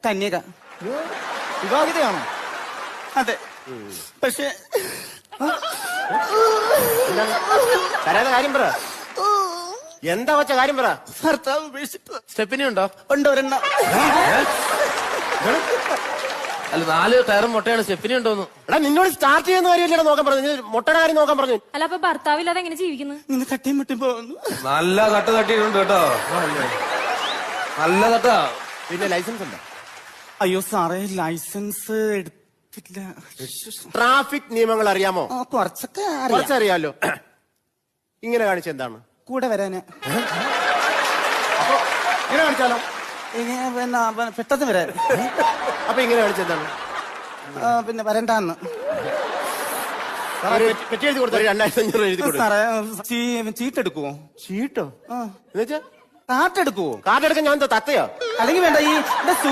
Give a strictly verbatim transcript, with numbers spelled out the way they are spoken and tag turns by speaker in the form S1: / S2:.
S1: കന്യക.
S2: വിവാഹിതയാണോ?
S1: അതെ. പക്ഷെ
S3: കരയാതെ കാര്യം പറ. എന്താ വെച്ച കാര്യം പറ.
S1: ഭർത്താവ് ഉപേക്ഷിച്ചു.
S4: സ്റ്റെപ്പിനി ഉണ്ടോ?
S1: ഉണ്ട് ഒരെണ്ണം.
S4: അല്ല നാല് ടയറും മുട്ടയാണ്, സ്റ്റെപ്പിനി ഉണ്ടോന്ന്.
S3: എടാ നിന്നോട് സ്റ്റാർട്ട് ചെയ്യുന്ന കാര്യമല്ലേ നോക്കാൻ പറഞ്ഞു, മുട്ടയുടെ കാര്യം നോക്കാൻ പറഞ്ഞു.
S5: അല്ല അപ്പൊ ഭർത്താവില്ലാതെ എങ്ങനെ ജീവിക്കുന്നു?
S1: ഇന്ന് തട്ടിയും മുട്ടി പോകുന്നു.
S4: നല്ല തട്ട് തട്ടിയിട്ടുണ്ട് കേട്ടോ, നല്ല തട്ടാ.
S3: പിന്നെ ലൈസൻസ് ഉണ്ടോ?
S1: അയ്യോ സാറേ, ലൈസൻസ് എടുത്തില്ല.
S3: ട്രാഫിക് നിയമങ്ങൾ അറിയാമോ?
S1: ആ, കുറച്ചൊക്കെ അറിയാം.
S3: കുറച്ചറിയാലോ. ഇങ്ങനെ കാണിച്ച എന്താണ്?
S1: കൂടെ വരാന്.
S3: ഇങ്ങനെ കാണിച്ചാലോ?
S1: ഇങ്ങനെ പിന്നെ പ- പെട്ടെന്ന് വരാൻ.
S3: അപ്പൊ ഇങ്ങനെ കാണിച്ച എന്താണ്?
S1: ആ, പിന്നെ വരണ്ടാന്ന്.
S3: ഒരു പെറ്റി എഴുതി കൊടുത്തു, രണ്ടായിരത്തി അഞ്ഞൂറ് എഴുതി കൊടുത്തു.
S1: സാറേ ചീ- ചീട്ടെടുക്കുവോ?
S3: ചീട്ടോ?
S1: ആ,
S3: എന്നുവെച്ചാ
S1: കാട്ടെടുക്കുവോ?
S3: കാർഡ് എടുക്കാൻ ഞാൻ എന്താ തത്തയോ?
S1: അല്ലെങ്കിൽ വേണ്ട, ഈ